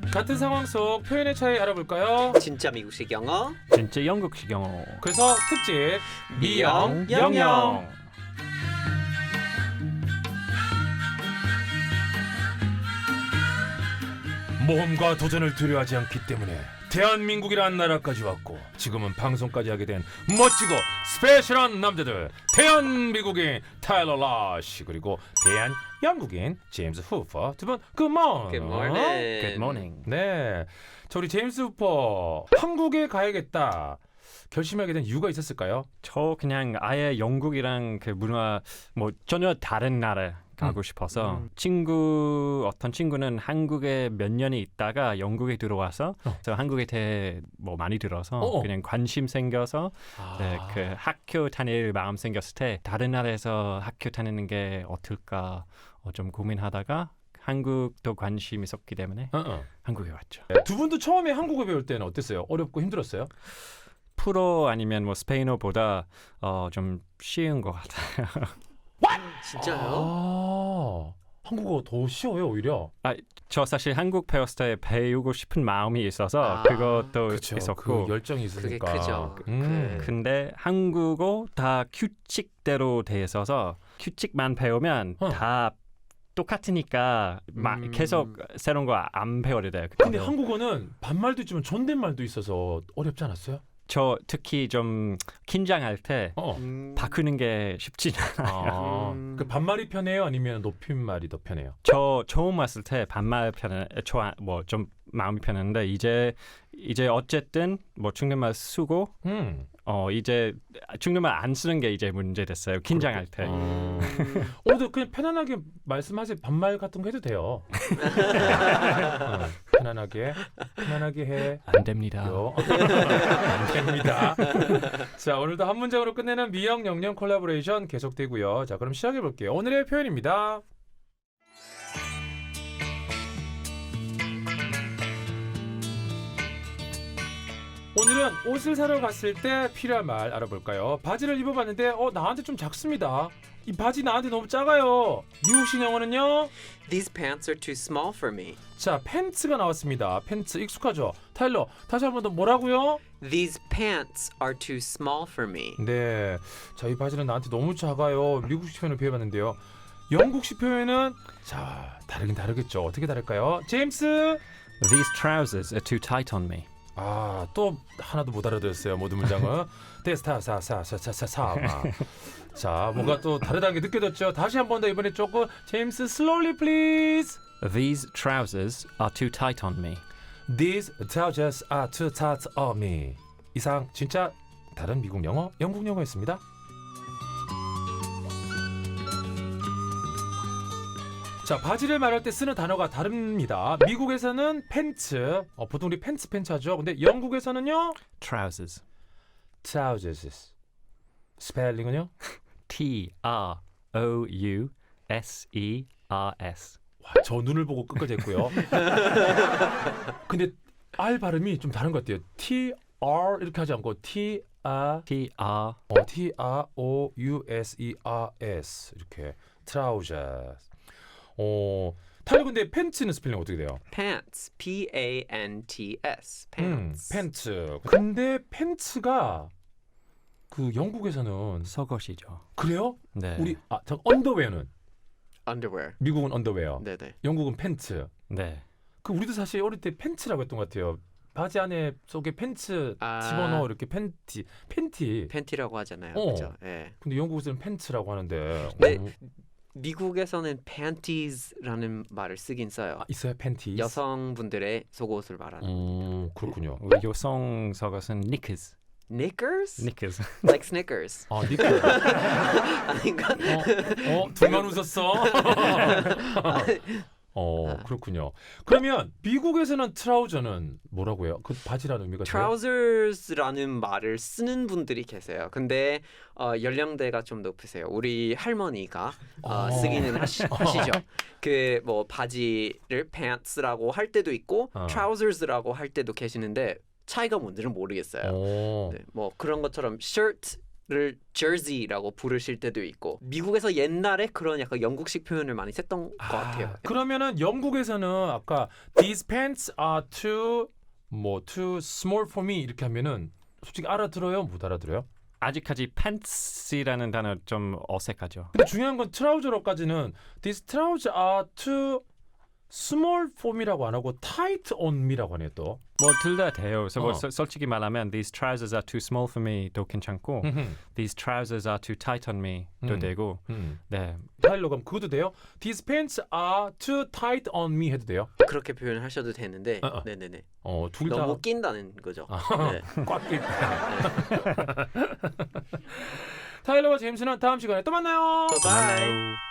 같은 상황 속 표현의 차이 알아볼까요? 진짜 미국식 영어. 진짜 영국식 영어. 그래서 특집 미영 영영. 모험과 도전을 두려워하지 않기 때문에 대한민국이라는 나라까지 왔고 지금은 방송까지 하게 된 멋지고 스페셜한 남자들 대한미국인 타일러 라시 그리고 대한영국인 제임스 후퍼 두 분 굿모닝. Good morning. Good morning. 네, 저 우리 제임스 후퍼 한국에 가야겠다 결심하게 된 이유가 있었을까요? 저 그냥 아예 영국이랑 그 문화 뭐 전혀 다른 나라 가고 싶어서 어떤 친구는 한국에 몇 년이 있다가 영국에 들어와서 저 한국에 대해 뭐 많이 들어서 그냥 관심 생겨서 네, 그 학교 다닐 마음 생겼을 때 다른 나라에서 학교 다니는 게 어떨까 좀 고민하다가 한국도 관심이 있었기 때문에 한국에 왔죠. 두 분도 처음에 한국어 배울 때는 어땠어요? 어렵고 힘들었어요? 프로 아니면 뭐 스페인어보다 좀 쉬운 것 같아요. 진짜요? 한국어 더 쉬워요 오히려. 저 사실 한국 배웠을 때 배우고 싶은 마음이 있어서 그것도 그쵸, 있었고 그 열정이 그게 있으니까. 크죠. 근데 한국어 다 규칙대로 돼 있어서 규칙만 배우면 다 똑같으니까 계속 새로운 거 안 배워야 돼요. 근데 한국어는 반말도 있지만 존댓말도 있어서 어렵지 않았어요? 저 특히 좀 긴장할 때 바꾸는 게 쉽지 않아요. 그 반말이 편해요? 아니면 높임말이 더 편해요? 저 처음 왔을 때 반말 뭐좀 마음이 편했는데 이제 어쨌든 뭐 중국말 쓰고 이제 중국말 안 쓰는 게 이제 문제 됐어요. 긴장할 때. 오늘 그냥 편안하게 말씀하세요. 반말 같은 거 해도 돼요. 편안하게 해. 안 됩니다. 안 됩니다. 자, 오늘도 한 문장으로 끝내는 미영 영영 콜라보레이션 계속되고요. 자, 그럼 시작해 볼게요. 오늘의 표현입니다. 오늘은 옷을 사러 갔을 때 필요한 말 알아볼까요? 바지를 입어봤는데 나한테 좀 작습니다. 이 바지 나한테 너무 작아요. 미국식 영어는요? These pants are too small for me. 자, 팬츠가 나왔습니다. 팬츠 익숙하죠? 타일러, 다시 한 번 더 뭐라고요? These pants are too small for me. 네, 자, 이 바지는 나한테 너무 작아요. 미국식 표현을 배워봤는데요. 영국식 표현은 자, 다르긴 다르겠죠. 어떻게 다를까요? 제임스? These trousers are too tight on me. 또 하나도 못 알아들었어요. 모든 문장은. 자, 뭔가 또 다르다는 게 느껴졌죠. 다시 한 번 더 이번에 조금 제임스 slowly please. These trousers are too tight on me. These trousers are too tight on me. 이상 진짜 다른 미국 영어, 영국 영어였습니다. 자, 바지를 말할 때 쓰는 단어가 다릅니다. 미국에서는 팬츠, 보통 우리 팬츠 하죠. 근데 영국에서는요? Trousers. trousers. 스펠링은요? T-R-O-U-S-E-R-S. 와, 저 눈을 보고 끝까지 했고요. 근데 R 발음이 좀 다른 것 같아요. T-R 이렇게 하지 않고 T-R T-R-O-U-S-E-R-S 이렇게 trousers. 타일러 근데 팬츠는 스펠링 어떻게 돼요? Pants. P-A-N-T-S. Pants. 팬츠. 근데 팬츠가 그 영국에서는 속옷이죠. 그래요? 네. 우리 언더웨어는 Underwear. 미국은 언더웨어, 네네. 영국은 팬츠. 네. 그 우리도 사실 어릴 때 팬츠라고 했던 것 같아요. 바지 안에 속에 팬츠 집어넣어 이렇게 팬티. 팬티라고 하잖아요. 그죠? 예. 근데 영국에서는 팬츠라고 하는데. 네. 미국에서는 panties라는 말을 쓰긴 써요. 있어요 팬티. 여성분들의 속옷을 말하는. 그렇군요. 우리 여성 속옷은 knickers. Knickers? knickers. Like Snickers. 니크. 아닌가? 둘만 웃었어. 그렇군요. 그러면 미국에서는 트라우저는 뭐라고 해요? 그 바지라는 의미가 돼요? Trousers라는 말을 쓰는 분들이 계세요. 근데 연령대가 좀 높으세요. 우리 할머니가 쓰기는 하시죠. 그 뭐 바지를 pants라고 할 때도 있고 trousers라고 할 때도 계시는데 차이가 뭔지는 모르겠어요. 네, 뭐 그런 것처럼 shirt jersey라고 부르실 때도 있고 미국에서 옛날에 그런 약간 영국식 표현을 많이 썼던 것 같아요. 그러면은 영국에서는 아까 these pants are too small for me 이렇게 하면은 솔직히 알아들어요? 못 알아들어요? 아직까지 pants이라는 단어 좀 어색하죠. 근데 중요한 건 트라우저로까지는 these trousers are too small for me라고 안 하고 tight on me라고 하네요 또. 뭐 둘 다 돼요. 그래서 뭐 어. 솔직히 말하면 these trousers are too small for me도 괜찮고 these trousers are too tight on me도 되고 네. 타일러 그럼 그것도 돼요? These pants are too tight on me 해도 돼요? 그렇게 표현을 하셔도 되는데 어. 네네네. 둘 다 너무 낀다는 거죠. 네. 꽉 낄. 타일러와 제임스는 다음 시간에 또 만나요. 바이. 만나요.